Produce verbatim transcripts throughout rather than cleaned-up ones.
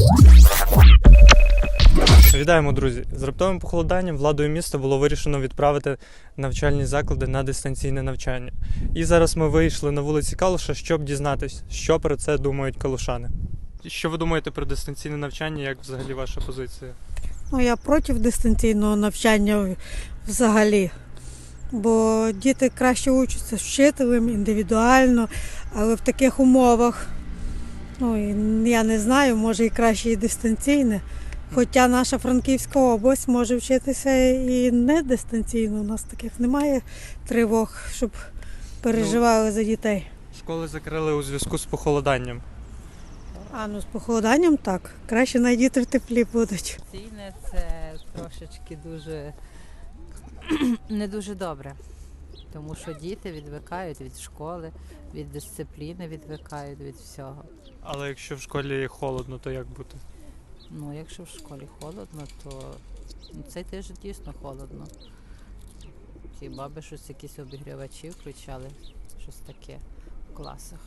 Вітаємо, друзі! З раптовим похолоданням владою міста було вирішено відправити навчальні заклади на дистанційне навчання. І зараз ми вийшли на вулиці Калуша, щоб дізнатись, що про це думають калушани. Що ви думаєте про дистанційне навчання, як взагалі ваша позиція? Ну, я проти дистанційного навчання взагалі. Бо діти краще учаться з вчителем, індивідуально, але в таких умовах, ну, я не знаю, може і краще і дистанційне. Хоча наша Франківська область може вчитися і не дистанційно. У нас таких немає тривог, щоб переживали за дітей. Школи закрили у зв'язку з похолоданням. А, ну з похолоданням так. Краще на діти в теплі будуть. Дистанційне – це трошечки дуже не дуже добре, тому що діти відвикають від школи, від дисципліни відвикають від всього. Але якщо в школі холодно, то як бути? Ну, якщо в школі холодно, то ну, цей тиждень дійсно холодно. Хіба би щось, якісь обігрівачі включали, щось таке в класах.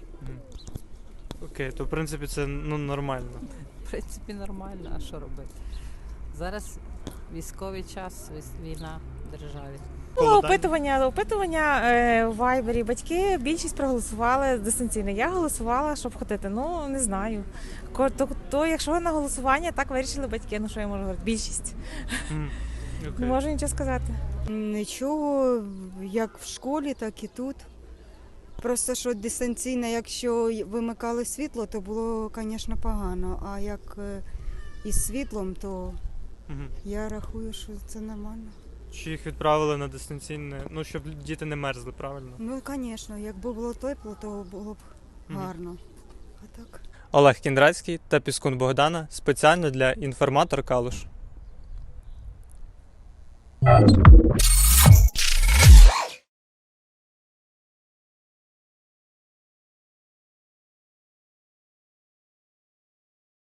Окей, то в принципі це ну, нормально. В принципі, нормально, а що робити? Зараз військовий час, війна в державі. Було опитування, опитування е, у Вайбері. Батьки більшість проголосували дистанційно. Я голосувала, щоб ходити. Ну, не знаю. Ко- То, то якщо на голосування, так вирішили батьки. Ну, що я можу говорити? Більшість. М, Не окей. можу нічого сказати. Нічого, як в школі, так і тут. Просто що дистанційно, якщо вимикали світло, то було, звісно, погано. А як е, із світлом, то Мгм. я рахую, що це нормально. Чи їх відправили на дистанційне, ну щоб діти не мерзли, правильно? Ну, звісно, якби було тепло, то було б Мгм. гарно. А так. Олег Кіндрацький та Піскун Богдана спеціально для «Інформатор Калуш».